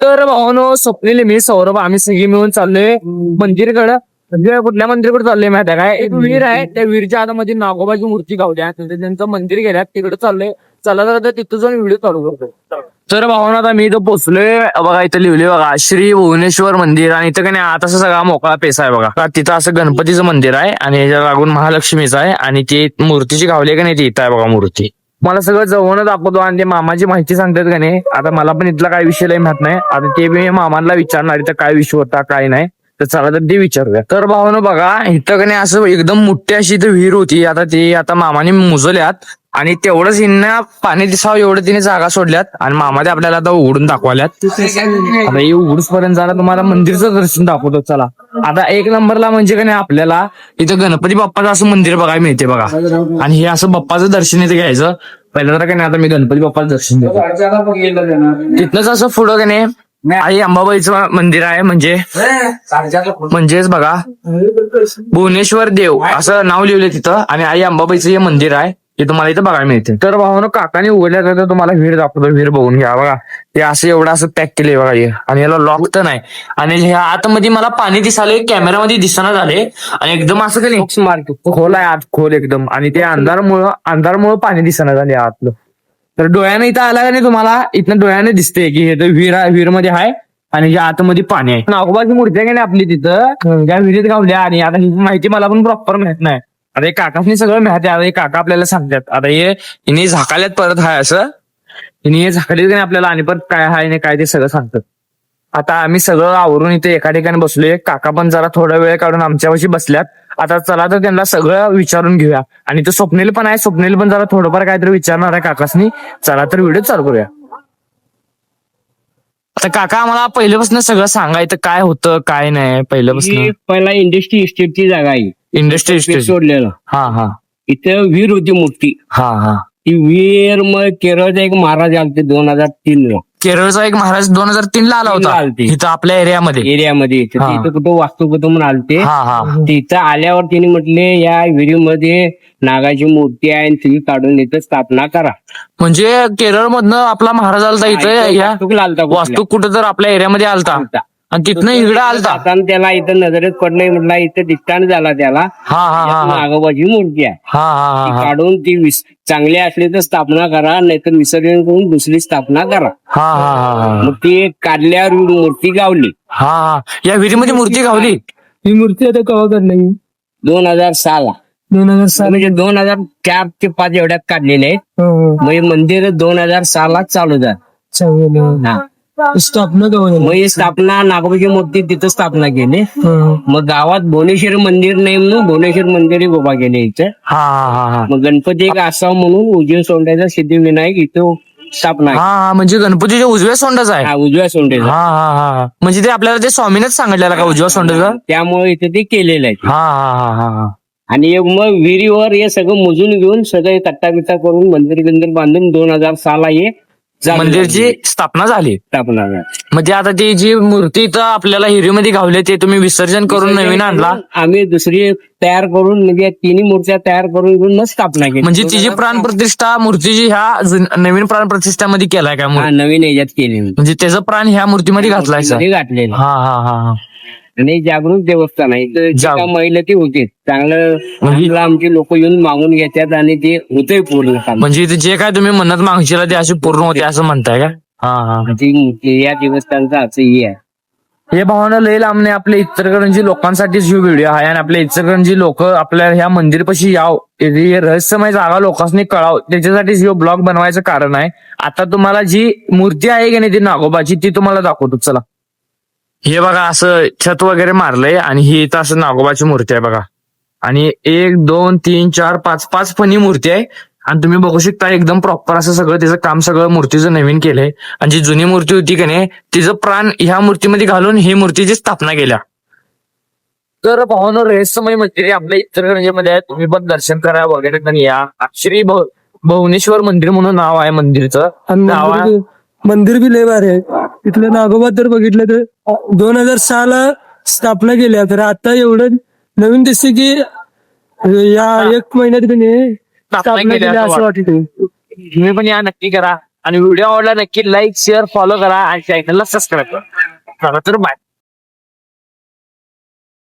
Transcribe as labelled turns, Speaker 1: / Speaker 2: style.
Speaker 1: तर भावानो स्वप्नील मी सौरभ आम्ही सगळी मिळून चाललोय मंदिरकडे. म्हणजे कुठल्या मंदिरकडे चाललोय माहिती आहे काय? एक विहीर आहे, त्या विहीरच्या आतमध्ये नागोबाची मूर्ती गावल्या, त्यांचं मंदिर गेल्यात तिकडे चाललोय. चला तर तिथं जाऊन व्हिडिओ चालू करतो. तर भावानो आता मी इथं पोहोचलोय बघा. इथं लिहिलंय बघा श्री भुवनेश्वर मंदिर. आणि इथं का नाही आत असं सगळा मोकळा पेसा आहे बघा. तिथं असं गणपतीचं मंदिर आहे आणि याच्या लागून महालक्ष्मीचं आहे. आणि ती मूर्तीची गावली का नाही ती इथं आहे बघा मूर्ती. मला सगळं जवळ दाखवतो आणि ते मामाची माहिती सांगतात का नाही. आता मला पण इथला काय विषय लय माहित नाही. आता ते मी मामाला विचारणार इथं काय विषय होता काय नाही. तर चला तर ते विचारूया. तर भावानं बघा इथं का नाही असं एकदम मोठी अशी इथं विहीर होती. आता मामाने मुजल्यात आणि तेवढंच हिंना पाणी दिसावं एवढं तिने जागा सोडल्यात. आणि मामा ते आपल्याला आता उघडून दाखवाल्यात. आता हे उघडूस पर्यंत जरा तुम्हाला मंदिरचं दर्शन दाखवतो चला. आता एक नंबरला म्हणजे का नाही आपल्याला इथं गणपती बाप्पाचं असं मंदिर बघायला मिळते बघा. आणि हे असं बाप्पाचं दर्शन इथे घ्यायचं. पहिलं तर का नाही आता मी गणपती बाप्पाचं दर्शन घेतो. तिथनंच असं पुढं का नाही आई अंबाबाईचं मंदिर आहे. म्हणजेच बघा भुवनेश्वर देव असं नाव लिहिलंय तिथं. आणि आई अंबाबाईचं हे मंदिर आहे. हे तुम्हाला इथं बघायला मिळते. तर भावानं काकाने उघडल्या तर तुम्हाला विहीर दाखवतो. विहीर बघून घ्या बघा. ते असं एवढं असं पॅक केलंय बघा हे. आणि याला लॉक तर नाही. आणि ह्या आतमध्ये मला पाणी दिसाले कॅमेरामध्ये दिसना झाले. आणि एकदम असं का नाही खोल आहे आत खोल एकदम. आणि ते अंधारमुळं पाणी दिसना झाले आतलं. तर डोळ्याने इथं आला का नाही तुम्हाला इथनं डोळ्याने दिसते की हे तर विहीर मध्ये आहे. आणि या आतमध्ये पाणी आहे. नागोबाची मूर्ती आहे का नाही आपली तिथं त्या विहिरीत गावल्या. आणि आता ही माहिती मला पण प्रॉपर माहित नाही. आता हे काकासनी सगळं माहिती आहे. आता हे काका आपल्याला सांगतात. आता हिने झाकाल्यात परत हाय असं. हिने हे झाकलीत का नाही आपल्याला आणि परत काय हाय नाही काय ते सगळं सांगतात. आता आम्ही सगळं आवरून इथे एका ठिकाणी बसलोय. काका पण जरा थोडा वेळ काढून आमच्यापाशी बसल्यात. आता चला तर त्यांना सगळं विचारून घेऊया. आणि तो स्वप्नील पण आहे. स्वप्नील पण जरा थोडंफार काहीतरी विचारणार आहे काकासनी. चला तर व्हिडिओ चालू करूया. आता काका आम्हाला पहिल्यापासून सगळं सांगायचं काय होतं काय नाही पहिल्यापासून.
Speaker 2: पहिला इंडस्ट्री इस्टेटची जागा आहे.
Speaker 1: इंडस्ट्री
Speaker 2: सोडलेलं
Speaker 1: हा हा
Speaker 2: इथं विहीर होती मोठी.
Speaker 1: हा हा
Speaker 2: ती विहीर मग केरळचा एक महाराज आलते 2003 ला.
Speaker 1: केरळचा एक महाराज 2003 ला आला होता इथं आपल्या एरियामध्ये.
Speaker 2: तिथं कुठं वास्तुकतो म्हणून आलते.
Speaker 1: हा हा
Speaker 2: तिथं आल्यावर तिने म्हटले या विहिरीमध्ये नागाची मूर्ती आहे तुम्ही काढून इथं स्थापना करा.
Speaker 1: म्हणजे केरळ मधनं आपला महाराज आलता इथं वास्तू कुठं तर आपल्या एरियामध्ये आलता. आणि तिथनं इकडं आलता.
Speaker 2: त्याला इथं नजरेत पडलंय म्हटलं इथं डिस्टांट झाला त्याला.
Speaker 1: हा हा हा
Speaker 2: नागोबाची मूर्ती आहे.
Speaker 1: हा हा
Speaker 2: ती काढून ती चांगली असली तर स्थापना करा नाहीतर विसर्जन करून दुसरी स्थापना करा.
Speaker 1: हा हा हा
Speaker 2: मग ती काढल्यावर मूर्ती गावली.
Speaker 1: हा हा या विहिरीमध्ये मूर्ती गावली.
Speaker 3: ही मूर्ती आता कवा काढली?
Speaker 2: 2006 ला.
Speaker 3: 2006
Speaker 2: म्हणजे 2004 ते 5 एवढ्यात काढलेले आहेत. म्हणजे मंदिर 2006 ला चालू झालं.
Speaker 3: स्थापना कवा झाली?
Speaker 2: मग ही स्थापना नागोबाची मूर्ती तिथं स्थापना केली. मग गावात भुवनेश्वर मंदिर नाही म्हणून भुवनेश्वर मंदिर उभा केले इथं.
Speaker 1: हा हा हा
Speaker 2: मग गणपती एक असावं म्हणून उजव्या सोंड्याचा सिद्धिविनायक इथं स्थापना आहे.
Speaker 1: हा म्हणजे गणपतीच्या उजव्या सोंडाचा आहे.
Speaker 2: हा, उजव्या सोंड्याचा.
Speaker 1: हा हा हा म्हणजे ते आपल्याला ते स्वामीनेच सांगितलेलं का उजव्या सोंडाचं.
Speaker 2: त्यामुळे इथे ते केलेलं आहे.
Speaker 1: हा हा हा हा
Speaker 2: आणि मग विहिरीवर हे सगळं मोजून घेऊन सगळे तट्टा बिट्टा करून मंदिर बांधून 2006 ला हे
Speaker 1: मंदिरची स्थापना झाली.
Speaker 2: स्थापना झाली.
Speaker 1: म्हणजे आता ती जी मूर्ती इथं आपल्याला हिरीमध्ये गावली ते तुम्ही विसर्जन करून नवीन आणला.
Speaker 2: आम्ही दुसरी तयार करून म्हणजे तिन्ही मूर्त्या तयार करून घेऊन मग स्थापना केली.
Speaker 1: म्हणजे तिची प्राणप्रतिष्ठा मूर्तीची ह्या नवीन प्राणप्रतिष्ठामध्ये केलाय का?
Speaker 2: नवीन याच्यात केली
Speaker 1: म्हणजे त्याचं प्राण ह्या मूर्तीमध्ये घातलाय
Speaker 2: घातलेलं.
Speaker 1: हा हा हा
Speaker 2: आणि जागृत देवस्थान आहे. इथं महिला ती होते चांगलं आमची लोक येऊन मागून घेतात आणि ते होतंय पूर्ण.
Speaker 1: म्हणजे जे काय तुम्ही म्हणत मागशीला ते असे पूर्ण होते असं म्हणताय का? हा हा
Speaker 2: या देवस्थानाचं असं हे आहे.
Speaker 1: हे भावना लय लांबणे आपल्या इचलकरंजी लोकांसाठीच ही व्हिडिओ आहे. आणि आपल्या इचलकरंजी लोक आपल्या ह्या मंदिरपाशी याव हे रहस्यमय जागा लोकांनी कळाव त्याच्यासाठीच हे ब्लॉग बनवायचं कारण आहे. आता तुम्हाला जी मूर्ती आहे की नाही ती नागोबाची ती तुम्हाला दाखवतो चला. हे बघा असं छत वगैरे मारलंय आणि ही इथं असं नागोबाची मूर्ती आहे बघा. आणि 1 2 3 4 5 फणी मूर्ती आहे. आणि तुम्ही बघू शकता एकदम प्रॉपर असं सगळं त्याचं काम सगळं मूर्तीचं नवीन केलंय. आणि जी जुनी मूर्ती होती की नाही तिचं प्राण ह्या मूर्तीमध्ये घालून ही मूर्तीची स्थापना केल्या. तर भावनो रहस्यमय मंदिर आपल्या इचलकरंजीमध्ये तुम्ही पण दर्शन करा वगैरे या. श्री भुवनेश्वर मंदिर म्हणून नाव आहे मंदिरचं. नाव आहे
Speaker 3: मंदिर बी लय भारी आहे. इथलं नागोबा तर बघितलं तर 2006 ला स्थापना केल्या. तर आता एवढं नवीन दिसते की या 1 महिन्यात स्थापना केली असं वाटतं.
Speaker 1: तुम्ही पण या नक्की करा. आणि व्हिडिओ आवडला नक्की लाईक शेअर फॉलो करा आणि चॅनलला सबस्क्राईब करा. चला तर बाय.